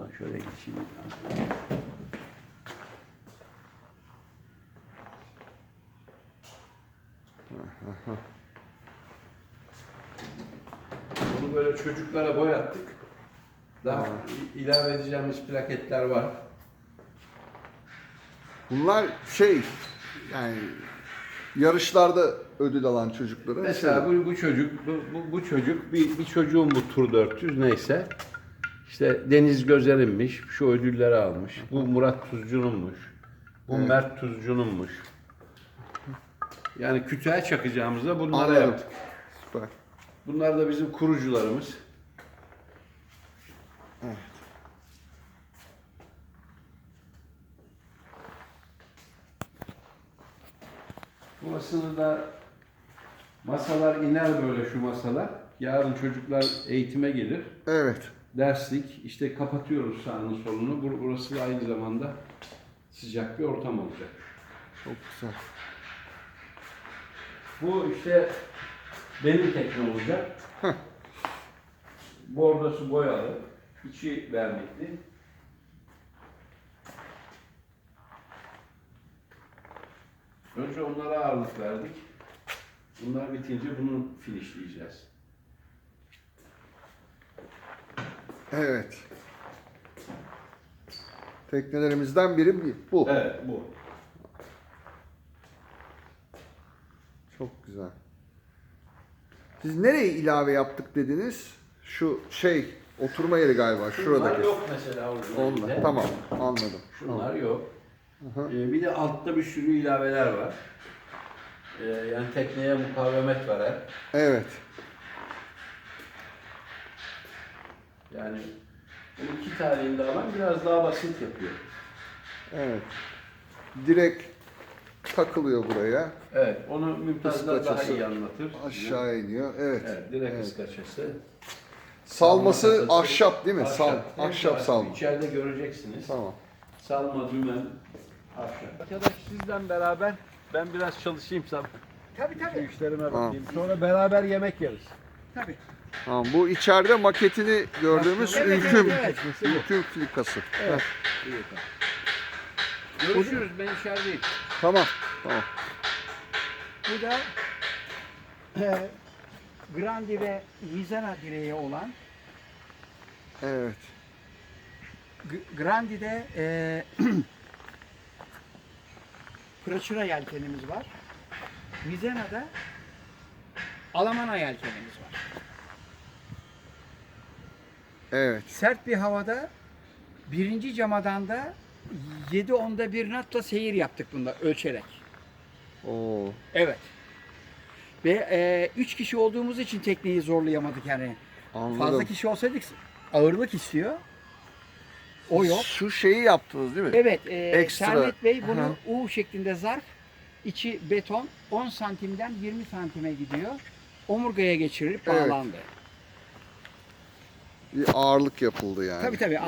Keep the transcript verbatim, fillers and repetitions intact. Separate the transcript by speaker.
Speaker 1: Bak şöyle geçeyim. Bunu böyle çocuklara boyattık. Daha ilave edeceğimiz plaketler var.
Speaker 2: Bunlar şey yani yarışlarda ödül alan çocuklara.
Speaker 1: Mesela bu, bu çocuk, bu, bu, bu çocuk bir, bir çocuğun bu Tur dört yüz neyse. İşte Deniz Gözer'inmiş, şu ödülleri almış. Bu Murat Tuzcu'nunmuş. Bu
Speaker 2: Evet.
Speaker 1: Mert Tuzcu'nunmuş. Yani kütüğe çakacağımızda bunları
Speaker 2: Anladım.
Speaker 1: yaptık.
Speaker 2: Süper.
Speaker 1: Bunlar da bizim kurucularımız.
Speaker 2: Evet.
Speaker 1: Burasını da masalar iner böyle şu masalar. Yarın çocuklar eğitime gelir.
Speaker 2: Evet.
Speaker 1: Derslik. İşte kapatıyoruz sağını solunu. Bur- Burası da aynı zamanda sıcak bir ortam olacak.
Speaker 2: Çok güzel.
Speaker 1: Bu işte benim tekne olacak.
Speaker 2: Heh.
Speaker 1: Bordosu boyalı. İçi vernikli. Önce onlara ağırlık verdik. Bunlar bitince bunu finişleyeceğiz.
Speaker 2: Evet. Teknelerimizden biri bu.
Speaker 1: Evet, bu.
Speaker 2: Çok güzel. Siz nereye ilave yaptık dediniz? Şu şey oturma yeri galiba
Speaker 1: Şunlar
Speaker 2: şuradaki.
Speaker 1: yok mesela orijinalinde.
Speaker 2: Onlar. Tamam, anladım.
Speaker 1: Şunlar
Speaker 2: Tamam.
Speaker 1: yok.
Speaker 2: Hı hı.
Speaker 1: Ee, bir de altta bir sürü ilaveler var. Ee, yani tekneye mukavemet veren.
Speaker 2: Evet.
Speaker 1: Yani bu iki tarihinde alan biraz daha basit yapıyor.
Speaker 2: Evet. Direkt takılıyor buraya.
Speaker 1: Evet, onu Mümtazlar daha
Speaker 2: Iskaçası
Speaker 1: iyi anlatır.
Speaker 2: aşağı iniyor. Evet.
Speaker 1: Evet, direkt
Speaker 2: Evet.
Speaker 1: ıskaçası.
Speaker 2: Salması
Speaker 1: Salma kasası,
Speaker 2: ahşap değil mi? Sal,
Speaker 1: Ahşap,
Speaker 2: ahşap salma.
Speaker 1: İçeride göreceksiniz.
Speaker 2: Tamam.
Speaker 1: Salma, dümen, ahşap. Arkadaş sizden beraber ben biraz çalışayım sabah.
Speaker 3: Tabii
Speaker 1: Şu
Speaker 3: tabii.
Speaker 1: işlerime
Speaker 2: Tamam.
Speaker 1: bakayım. Sonra beraber yemek yeriz.
Speaker 3: Tabii.
Speaker 2: Tamam. Bu içeride maketini gördüğümüz
Speaker 3: Evet,
Speaker 2: ülküm.
Speaker 3: evet, evet.
Speaker 2: Ülküm filikası.
Speaker 1: Evet.
Speaker 2: Heh.
Speaker 1: İyi, tamam. Görüşürüz, ben içerideyim.
Speaker 2: Tamam. Tamam.
Speaker 3: Bu da e, Grandi ve Mizana direği olan
Speaker 2: Evet.
Speaker 3: G- Grandi'de e, Praçura yelkenimiz var. Mizana'da Alamana yelkenimiz var.
Speaker 2: Evet.
Speaker 3: Sert bir havada birinci camadan da yedi onda bir knotla seyir yaptık bunda ölçerek.
Speaker 2: Oo.
Speaker 3: Evet. Ve e, üç kişi olduğumuz için tekneyi zorlayamadık yani.
Speaker 2: Anladım.
Speaker 3: Fazla kişi olsaydık ağırlık istiyor. O yok.
Speaker 2: Şu şeyi yaptınız değil mi?
Speaker 3: Evet, e,
Speaker 2: Ekstra.
Speaker 3: Sermet Bey
Speaker 2: Hı
Speaker 3: bunu
Speaker 2: hı.
Speaker 3: U şeklinde zarf, içi beton, on santimden yirmi santime gidiyor. Omurgaya geçirilip
Speaker 2: Evet.
Speaker 3: bağlandı.
Speaker 2: Bir ağırlık yapıldı yani.
Speaker 3: Tabii tabii.